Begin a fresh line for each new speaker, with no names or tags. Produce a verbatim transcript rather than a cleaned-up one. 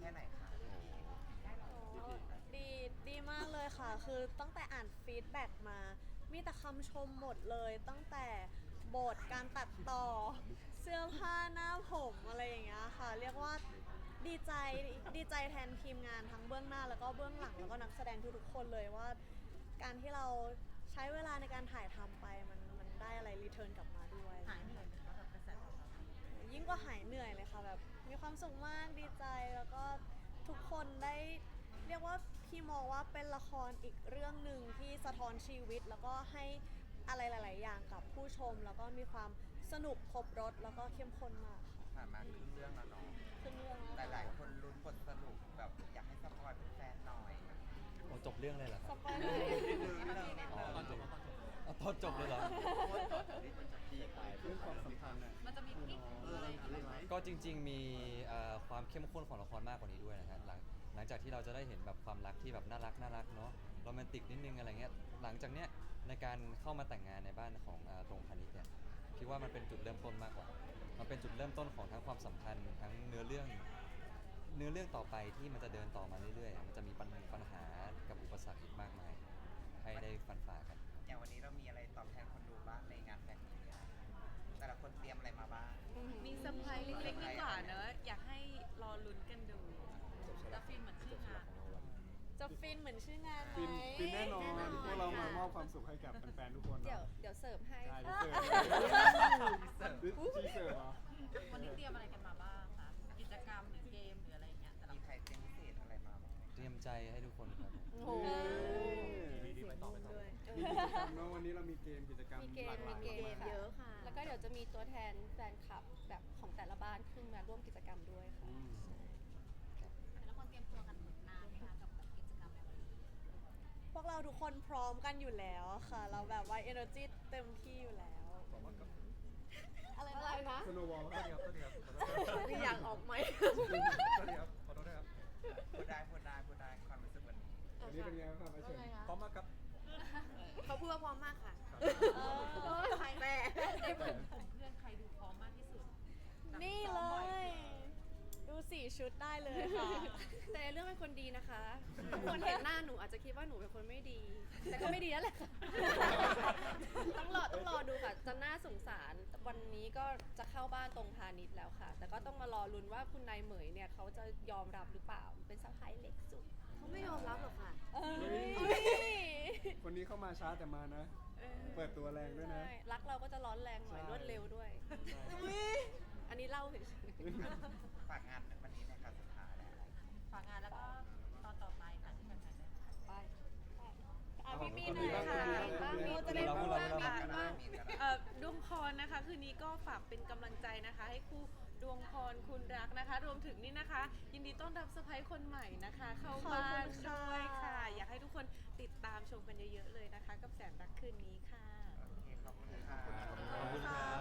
ค่ไหนคะ
ดีดีมากเลยค่ะคือตั้งแต่อ่านฟีดแบ็กมามีแต่คำชมหมดเลยตั้งแต่บทการตัดต่อเสื้อผ้าหน้าผมอะไรอย่างเงี้ยค่ะเรียกว่าดีใจดีใจแทนทีมงานทั้งเบื้องหน้าแล้วก็เบื้องหลังแล้วก็นักแสดงทุกๆคนเลยว่าการที่เราใช้เวลาในการถ่ายทำไปมันมันได้อะไรรีเทิร์นกลับมาด้วย
หายเหนื่อยไหมคะกับกระแสตอบรับ
ยิ่งกว่าหายเหนื่อยเลยค่ะแบบมีความสุขมากดีใจแล้วก็ทุกคนได้เรียกว่าพี่มองว่าเป็นละครอีกเรื่องหนึ่งที่สะท้อนชีวิตแล้วก็ให้อะไรหลาย ๆ อย่างกับผู้ชมแล้วก็มีความสนุกครบรสแล้วก็เข้มข้นมากค่ะ
ผ่านมาครึ่งเรื่องแล้วเนาะ
ขึ้นเรื่อง
หลายๆคนลุ้นบทสรุปแบบอยากให้สปอยเป็นแฟนหน่อย
โอ้จบเรื่องเลยเหรอค
ส
รับ
ปอยล์เลย
นิดนึงนิดนึง
อ๋อตอนจบเอาตอนจบเลยเหรอ
เรื่องความสัมพันธ์น่ะ
มันจะมีกิ๊กอะไรอย่างเงี้ย
ก็จริงๆมีเอ่อความเข้มข้นของละครมากกว่านี้ด้วยนะฮะหลังหลังจากที่เราจะได้เห็นแบบความรักที่แบบน่ารักน่ารักเนาะโรแมนติกนิดนึงอะไรเงี้ยหลังจากเนี้ยในการเข้ามาแต่งงานในบ้านของเอ่อตรงพาณิชย์เนี่ยคิดว่ามันเป็นจุดเริ่มต้นมากกว่ามันเป็นจุดเริ่มต้นของทั้งความสัมพันธ์ทั้งเนื้อเรื่องเนื้อเรื่องต่อไปที่มันจะเดินต่อมาเรื่อยๆมันจะมีปัญปัญหากับอุปสรรคอีกมากมายให้ได้ฟันฝ่ากัน
อย่างวันนี้เรามีอะไรตอบแทนคนดูบ้างในงานแฟนมีตเนี่ยแต่ละคนเตรียมอะไรมาบ้าง
มีเซอร์ไพรส์เล็กๆดีกว่าเนอะอยากให้รอลุ้นกันดูจะฟินเหมือนชื่องาน
จะฟินเหมือนชื่องานไหม
ฟินฟินแน่นอนพวกเรามามอบความสุขให้กับแฟนๆทุกคน
เดี๋ยว
เนาะ
เดี๋ยวเสิร์ฟให้
ใช่
ค่ะ
เสิร์ฟจีเสิร์ฟเหรอ
วันนี้เตรียมอะไรกันมาบ้างคะกิจกรรมหรือเกมหรืออะไรอย่างเงี้ยแต่ละ
มีใครเตรียมพิเศษอะไรมาบ้างไหม
เตรียมใจให้ทุกคนครับ
โอ้โห
ดีๆไปต่อไปต่อ
ด้วย
มีกิจกรรมเนาะวันนี้เรามีเกมกิจกรรม
มีเก
ห
ม
ลากห
มี
ลาย
เกม
มาก
เยอะค่ะ แล้วก็เดี๋ยวจะมีตัวแทนแฟนคลับแบบของแต่ละบ้านขึ้นมาร่วมกิจกรรมด้วยค่ะ
อืม
แล้วคนเตรียมตัวกันนานไหมคะกับกิจกรรมแบบนี้
พวกเราทุกคนพร้อมกันอยู่แล้วค่ะ เราแบบว่า energy เต็มที่อยู่แล้ว อะไร
อะไร
นะ
นะ
สโนว์บอลครับ
มีอยากออกไหม
พูดได้พูดได้พูดได้ความรู้สึกวันนี้
วันนี้เป็นไงบ้างครับอาเชนพร้อมมากครับ
เขาพูดว่าพร้อมมากค่ะ
เออ
แต่
ในกลุ่มกลุ่มเพื่อนใครดูพร้อมมากที่สุด
นี่เลย ดูสี่ชุดได้เลยค่ะ
แต่ในเรื่องเป็นคนดีนะคะทุกคนเห็นหน้าหนูอาจจะคิดว่าหนูเป็นคนไม่ดี แต่ก็ไม่ดีนั่นแหละค่ะ ต้องรอต้องรอดูค่ะ จะน่าสงสาร วันนี้ก็จะเข้าบ้านตรงพาณิชย์แล้วค่ะ แต่ก็ต้องมารอลุ้นว่าคุณนายเหมยเนี่ยเขาจะยอมรับหรือเปล่า เป็นสะพ้ายเล็กสุด เขาไม่ยอมรับหรอกค่ะ
เอ้ย
คนนี้เข้ามาช้าแต่มานะ เปิดตัวแรงด้วยนะ
ใช่ รักเราก็จะร้อนแรงหน่อย
ใช่
รวดเร็วด้วย อันนี้เล่าเฉย
ฝากงานวันนี้นะครับสุดท้ายแล้ว
ฝากงานแล้วก็ตอนต่อไปค่ะที่แฟนๆได้
ๆไป
อ่ะพี่มีหน่อยค่ะ
บ้างมี
เราจะได้รู้ว่ามี
ก็ได้มีก็ได้
เอ่อดวงพรนะคะคืนนี้ก็ฝากเป็นกำลังใจนะคะ ให้คู่ดวงพรคุณรักนะคะ รวมถึงนี่นะคะ ยินดีต้อนรับสะพ้ายคนใหม่นะคะ เข้าบ้านด้วยค่ะ อยากให้ทุกคนติดตามชมกันเยอะๆเลยนะคะ กับแสนรักคืนนี้ค่ะ
โอเคขอบคุณค่ะ
ขอบคุณครับ